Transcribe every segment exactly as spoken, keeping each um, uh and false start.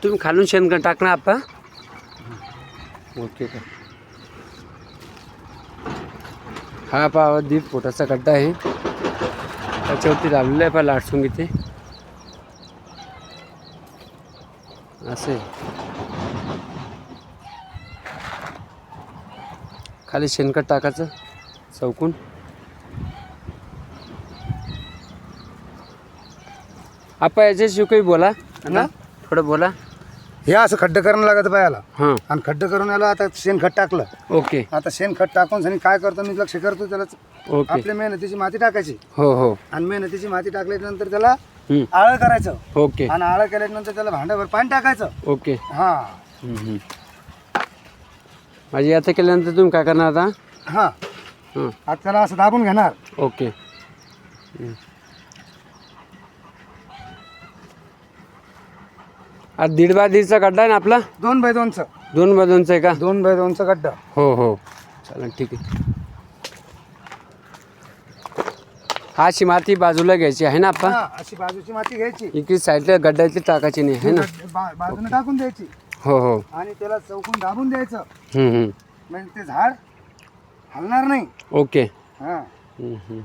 तुम्ही खालून शेणखत टाकणार आप्पा? ओके का. हा पहा दीड फुटाचा गड्डा आहे, त्याच्यावरती लावलेलं आहे पहा लाटसून इथे असे. खाली शेणखत टाकायचं चौकून. आप्पा याच्याशिवाय काही बोला ना, थोडं बोला. हे असं खड्डं करणं लागत पायाला. हां आणि खड्डं करून याला आता शेणखत टाकलं. ओके. आता शेणखत टाकून सनी काय करतो मी लक्ष करतो त्याला. ओके. आपल्या मेहनतीची माती टाकायची. हो हो. आणि मेहनतीची माती टाकल्यानंतर त्याला हम्म. आळं करायचं. ओके. आणि आळं केल्यानंतर त्याला भांड्याभर पाणी टाकायचं. ओके. हा माझी आता केल्यानंतर तुम्ही काय करणार आता? हा हां आता त्याला असं दाबून घेणार. ओके. आज दीड बाय दीडचा गड्डा आहे ना आपला? दोन बाय दोनचं. दोन बाय दोनचा आहे का? दोन बाय दोनचं गड्डा. हो हो चालेल ठीक आहे. हा अशी माती बाजूला घ्यायची आहे ना आपण? हा, अशी बाजूची माती घ्यायची. इकडे साईडला गड्ड्याची टाकायची नाही आहे ना? बा- बाजूने टाकून द्यायची. हो हो. आणि त्याला चौकून दाबून द्यायचं. हम्म, हम्म. म्हणजे ते झाड हलणार नाही. ओके. हा हम्म, हम्म.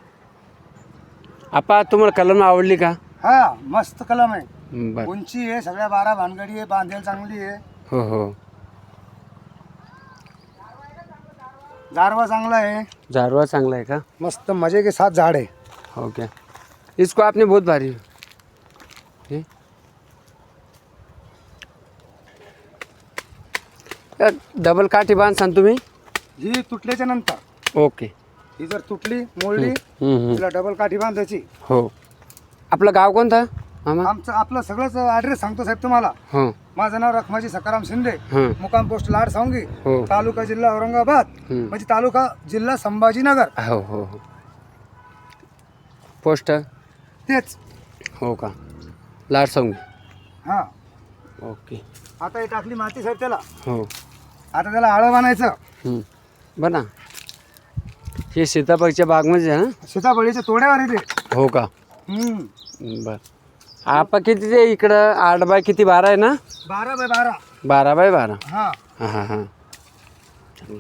आपा तुम्हाला कलम आवडली का? हा मस्त कलम आहे. बरं. उंची आहे, सगळ्या बारा भानगडी आहे, बांधेल चांगली आहे. हो हो. झाडवा चांगला आहे. झारवा चांगला आहे का? मस्त मजे के साथ झाड आहे. हो क्या. इसको आपने बहुत भारी ये? या डबल काठी बांधसान तुम्ही? ही तुटल्याच्या नंतर ओके. ही जर तुटली मोडली हम्म, हम्म. तिला डबल काठी बांधायची. हो. आपलं गाव कोणतं मामा? आमचं आपलं सगळंच ॲड्रेस सांगतो साहेब तुम्हाला. हो. माझं नाव रखमाजी सकाराम शिंदे, हं. मुक्काम पोस्ट लाड सांगी, हो. तालुका जिल्हा औरंगाबाद, हं. म्हणजे तालुका जिल्हा संभाजीनगर. हो हो हो. पोस्ट तेच. हो का? लाड सांगू. हा ओके. आता ही टाकली माती साहेब त्याला. हो. आता त्याला आळं बांधायचं. हं. बना हे सीताफळच्या बागमध्ये आहे ना? सीताफळीच्या तोड्यावर येते. हो का? हम्म. बर. आपा किती ते इकडं आठ बाय किती बारा आहे ना? बारा बाय बारा. बारा बाय बारा. हा हां हां हां. चांगलं.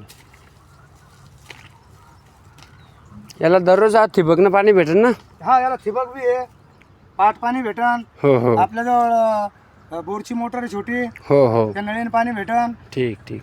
याला दररोज आज ठिबकनं पाणी भेटेल ना? हा याला ठिबक बी आहे, पाट पाणी भेटन. हो हो आपल्याजवळ अ, बोरची मोटर आहे छोटी, हो हो. त्या नळीने पाणी भेटन. ठीक ठीक.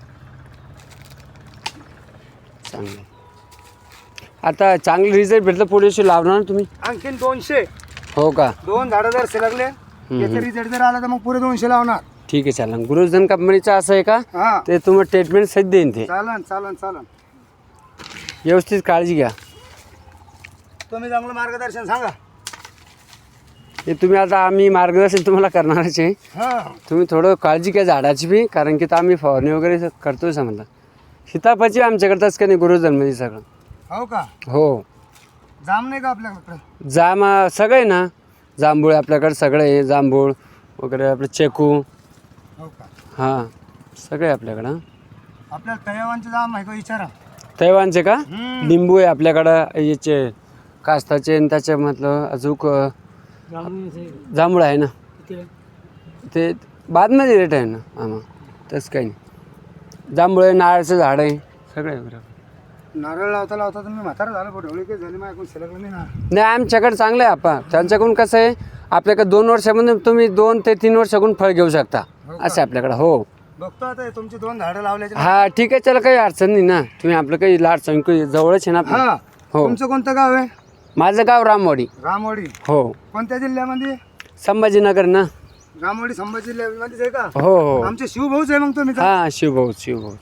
चांगलं. आता चांगलं रिझल्ट भेटलं पुढे दिवशी लावणार ना तुम्ही? आणखीन दोनशे. हो का? दोन झाडं जर सिलगले त्याचा रिझल्ट जर आला तर मग पुरे दोनशे लावणार. ठीक आहे चालेल. गुरुजन कंपनीचं असं आहे का? हा ते तुम्हाला ट्रीटमेंट सहित देईन ते. चालन चालन चालन. व्यवस्थित काळजी घ्या. तुम्ही चांगलं मार्गदर्शन सांगा. हे तुम्ही आता आम्ही मार्गदर्शन तुम्हाला करणारच आहे. हा तुम्ही थोडं काळजी घ्या झाडाची बी, कारण की तर आम्ही फवारणी वगैरे करतोय समजा. सीताफळची आमच्याकडे का नाही गुरुजनमध्ये सगळं. हो का? हो. जाम नाही का आपल्याकडे? जाम सगळं आहे ना. जांभूळ आपल्याकडे सगळं आहे, जांभूळ वगैरे आपलं चेकू. हो का? हां सगळे आपल्याकडं. आपल्याला तळेवांचे जाम आहे का विचारा. तैवानचे का? हम्म. लिंबू आहे आपल्याकडं, याचे कास्ताचे आणि त्याच्यामधलं अजून जांभूळ आहे ना. ते बादमध्ये रेट आहे ना आम्हा. तसं काही नाही. जांभूळ आहे, नारळाचं झाड आहे, सगळं आहे बरोबर. नारळ लावता लावता तुम्ही म्हातारा झालं, पण ढवळी काही झाली माझ्याकडून शिलगलं नाही ना. नाही आमच्याकडे चांगलं आहे आपा. त्यांच्याकडून कसं आहे, आपल्याकडे दोन वर्षामध्ये तुम्ही दोन ते तीन वर्षाकडून फळ घेऊ शकता हो का? असं आहे आपल्याकडं. हो. बघतो आता हे तुमची दोन झाडं लावल्याचे. हा ठीक आहे चला, काही अडचण नाही ना. तुम्ही आपलं काही लाड संख्या जवळच आहे ना आपलं. हा हो. तुमचं कोणतं गाव आहे? माझं गाव रामवाडी. रामवाडी. हो. कोणत्या जिल्ह्यामध्ये? संभाजीनगर ना. रामवाडी संभाजी जिल्ह्यामध्येच आहे का? हो हो. आमचे शिवभाऊच आहे मग तुम्ही तर. हां शिवभाऊ शिवभाऊ.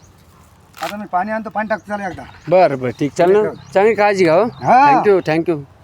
आता मी पाणी आणतो, पाणी टाकतो त्याला एकदा. बरं बरं ठीक चालेल ना. चांगली काळजी घ्या. हो हा. Thank you thank you.